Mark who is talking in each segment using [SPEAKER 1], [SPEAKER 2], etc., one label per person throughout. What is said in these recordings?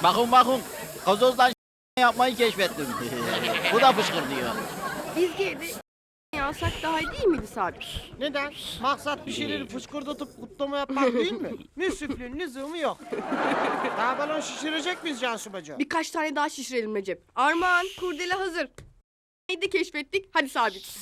[SPEAKER 1] Bakın. Gazozdan yapmayı keşfettim. Bu da fışkırtıyor.
[SPEAKER 2] Biz geri alsak daha iyi değil miydi Sabit?
[SPEAKER 3] Neden? Maksat bir şeyleri fışkırdatıp kutlama yapmak değil mi? Müsrifliğin lüzumu yok. Daha balon şişirecek miyiz Cansu bacı?
[SPEAKER 2] Birkaç tane daha şişirelim Recep. Armağan, kurdele hazır. Neydi keşfettik? Hadi Sabit.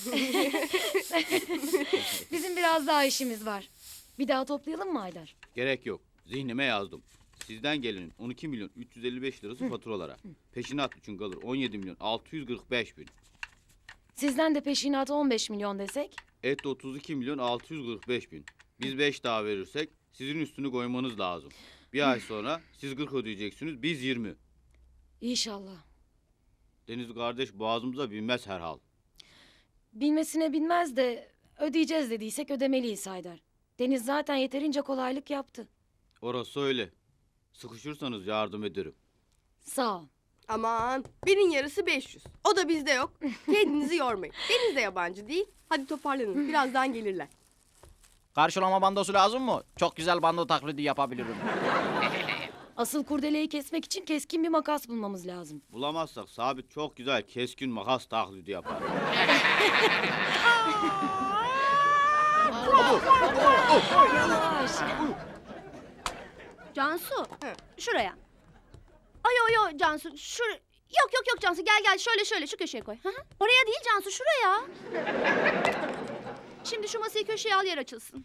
[SPEAKER 4] Bizim biraz daha işimiz var. Bir daha toplayalım mı Haydar?
[SPEAKER 5] Gerek yok. Zihnime yazdım. Sizden gelenin 12 milyon 355 lirası faturalara. Peşinat için kalır 17 milyon 645 bin.
[SPEAKER 4] Sizden de peşinatı 15 milyon desek?
[SPEAKER 5] Et 32 milyon 645 bin. Biz 5 daha verirsek sizin üstünü koymanız lazım. Bir ay sonra siz 40 ödeyeceksiniz, biz 20.
[SPEAKER 4] İnşallah.
[SPEAKER 5] Deniz kardeş boğazımıza binmez herhal.
[SPEAKER 4] Bilmesine bilmez de ödeyeceğiz dediysek ödemeliyiz Haydar. Deniz zaten yeterince kolaylık yaptı.
[SPEAKER 5] Orası öyle. Sıkışırsanız yardım ederim.
[SPEAKER 4] Sağ ol.
[SPEAKER 2] Aman, birin yarısı 500. O da bizde yok. Kendinizi yormayın. Deniz de yabancı değil. Hadi toparlanın. Birazdan gelirler.
[SPEAKER 1] Karşılama bandosu lazım mı? Çok güzel bando taklidi yapabilirim.
[SPEAKER 4] Asıl kurdeleyi kesmek için keskin bir makas bulmamız lazım.
[SPEAKER 5] Bulamazsak Sabit çok güzel keskin makas taklidi yapar.
[SPEAKER 4] Yavaş.
[SPEAKER 6] Cansu,
[SPEAKER 2] Hı.
[SPEAKER 6] şuraya. Ay Cansu, Yok Cansu, gel şöyle şu köşeye koy. Hı hı. Oraya değil Cansu, şuraya. Şimdi şu masayı köşeye al, yer açılsın.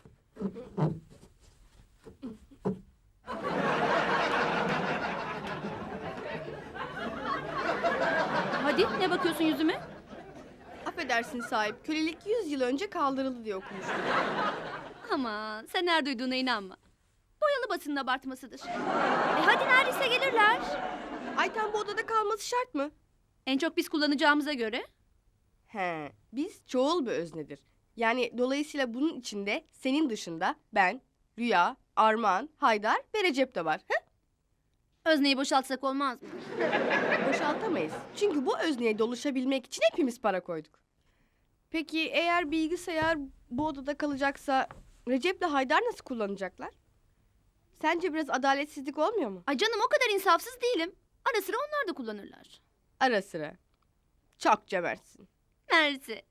[SPEAKER 6] Hadi, ne bakıyorsun yüzüme?
[SPEAKER 2] Affedersin sahip. Kölelik 100 yıl önce kaldırıldı diye okumuştum.
[SPEAKER 6] Aman, sen her duyduğuna inanma. Boyalı basının abartmasıdır. Hadi neredeyse gelirler.
[SPEAKER 2] Ayten bu odada kalması şart mı?
[SPEAKER 6] En çok biz kullanacağımıza göre.
[SPEAKER 2] He, biz çoğul bir öznedir. Yani dolayısıyla bunun içinde senin dışında ben, Rüya, Armağan, Haydar ve Recep de var. He?
[SPEAKER 6] Özneyi boşaltsak olmaz mı?
[SPEAKER 2] Boşaltamayız. Çünkü bu özneye doluşabilmek için hepimiz para koyduk. Peki eğer bilgisayar bu odada kalacaksa Recep'le Haydar nasıl kullanacaklar? Sence biraz adaletsizlik olmuyor mu?
[SPEAKER 6] Ay canım, o kadar insafsız değilim. Ara sıra onlar da kullanırlar.
[SPEAKER 2] Ara sıra. Çok cömertsin.
[SPEAKER 6] Mersi.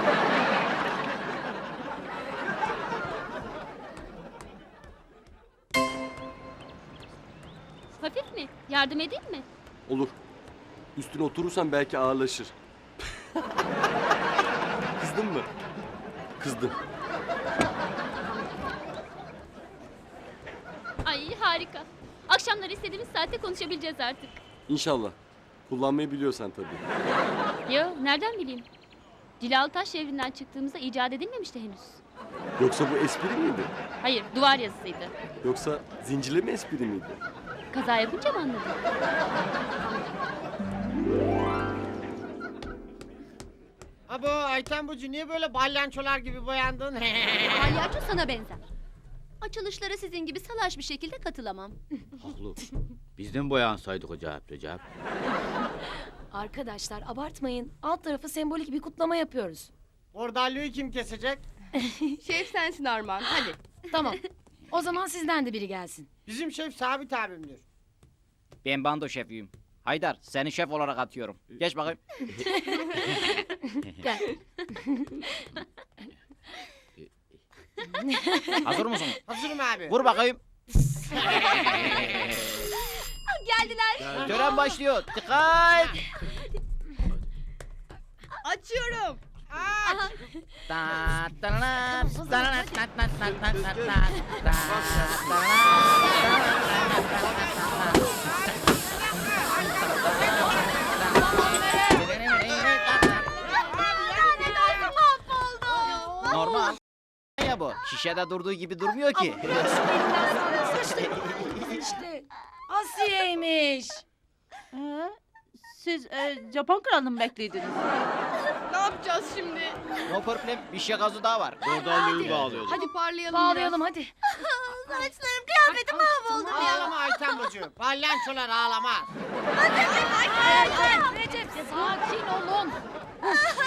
[SPEAKER 6] Hafif mi? Yardım edeyim mi?
[SPEAKER 7] Olur. Üstüne oturursan belki ağırlaşır. Kızdın mı? Kızdım.
[SPEAKER 8] Ay harika. Akşamları istediğimiz saatte konuşabileceğiz artık.
[SPEAKER 7] İnşallah. Kullanmayı biliyorsan tabii.
[SPEAKER 8] Yo, nereden bileyim? Cilalı Taş devrinden çıktığımızda icat edilmemişti henüz.
[SPEAKER 7] Yoksa bu espri miydi?
[SPEAKER 8] Hayır, duvar yazısıydı.
[SPEAKER 7] Yoksa zincirleme espri miydi?
[SPEAKER 8] Kaza yapınca mı anladın?
[SPEAKER 3] Abo Ayten Bacı niye böyle balyançolar gibi boyandın?
[SPEAKER 6] Palyaço sana benzer. Açılışlara sizin gibi salaş bir şekilde katılamam.
[SPEAKER 5] Haklı. Bizden boyansaydık acayip Recep.
[SPEAKER 4] Arkadaşlar abartmayın. Alt tarafı sembolik bir kutlama yapıyoruz.
[SPEAKER 3] Bordalyoyu kim kesecek?
[SPEAKER 2] Şef sensin Armağan. Hadi.
[SPEAKER 4] Tamam. O zaman sizden de biri gelsin.
[SPEAKER 3] Bizim şef Sabit abimdir.
[SPEAKER 1] Ben bando şefiyim. Haydar seni şef olarak atıyorum. Geç bakayım.
[SPEAKER 4] Gel.
[SPEAKER 1] Hazır mısın?
[SPEAKER 3] Hazırım abi.
[SPEAKER 1] Vur bakayım.
[SPEAKER 6] Geldiler.
[SPEAKER 1] Tören başlıyor. Dikkat.
[SPEAKER 2] Açıyorum.
[SPEAKER 1] Normal. Ya bu. Şişede durduğu gibi durmuyor ki.
[SPEAKER 4] İşte Asiye'ymiş.
[SPEAKER 9] Siz Japon kralını mı bekliydiniz?
[SPEAKER 2] Ne yapacağız şimdi?
[SPEAKER 1] No problem. Bir şey gazı daha var.
[SPEAKER 5] Bordalyoyu bağlıyorduk.
[SPEAKER 2] Hadi parlayalım
[SPEAKER 4] Bağlayalım hadi.
[SPEAKER 6] Saçlarım, kıyafetim mahvoldu.
[SPEAKER 3] Ağlama Ayten Bacı. Balyançolar ağlamaz.
[SPEAKER 4] Recep sakin olun.